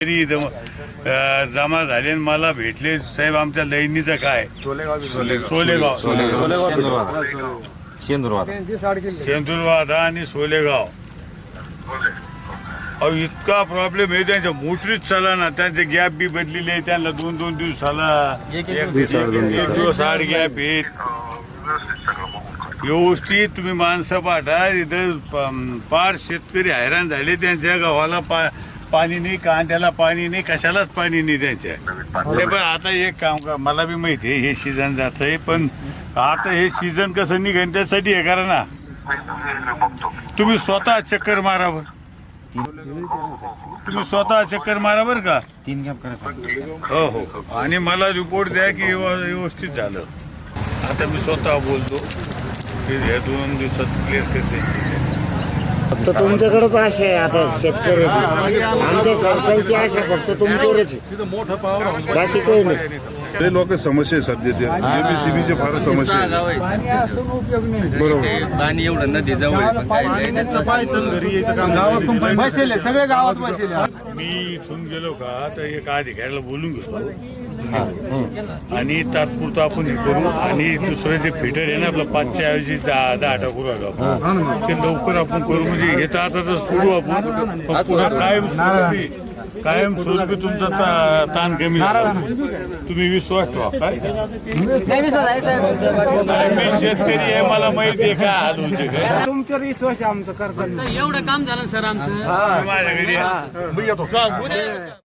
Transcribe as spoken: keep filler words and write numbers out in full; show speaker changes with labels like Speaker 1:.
Speaker 1: इथं अ, जमा झाले आणि मला भेटले साहेब आमच्या लईनीचं काय सोलेगाव शेंदूरवादा आणि सोलेगाव अहो इतका प्रॉब्लेम आहे त्यांच्या मोटरीच चाला ना त्यांचे गॅप बी बदलेले त्यांना दोन दोन दिवसाला एक दिवस आड गॅप येत व्यवस्थित तुम्ही माणसं पाठा इथं पार शेतकरी हैराण झाले त्यांच्या गावाला पा पाणी नाही कांद्याला पाणी नाही कशालाच पाणी नाही त्यांच्या ते पण आता एक काम का मला बी माहिती आहे हे सीझन जात आहे पण आता हे सीझन कसं निघेल त्यासाठी हे करा ना तुम्ही स्वतः चक्कर मारा बर तुम्ही स्वतः चक्कर मारा बर का
Speaker 2: तीन गॅप करा
Speaker 1: हो हो आणि मला रिपोर्ट द्या की व्यवस्थित झालं आता मी स्वतः बोलतो की हे दोन दिवसात क्लिअर करते
Speaker 3: फक्त तुमच्याकडेच आशा आहे आता शेतकऱ्याची आमच्या सरकारची आशा फक्त तुमच्यावरच आहे बाकी काही नाही
Speaker 4: ते लोक समस्या आहे सध्या ते एमएससीबीचे फार समस्या आहे बरोबर
Speaker 2: पाणी एवढं नदी जवळ बसेल सगळे गावात बसेल
Speaker 1: मी इथून गेलो का तर एक अधिकाऱ्याला बोलून घेतो आणि तात्पुरतं आपण हे करू आणि दुसरं जे फिटर आहे ना आपलं पाचच्या ऐवजी दहा दहा आठ करू आलो आपण ते लवकर आपण करू म्हणजे हे तर आता तर सोडू आपण पण पुन्हा कायम स्वरूपी कायम स्वरूपी तुमचा ता- ताण कमी झाला तुम्ही विश्वास ठेवा काय काय मी शेतकरी आहे मला माहिती आहे काय हाल होते काय
Speaker 3: तुमच्यावर विश्वास आहे आमचं करताना
Speaker 2: एवढं काम झालं सर आमचं
Speaker 1: माझ्याकडे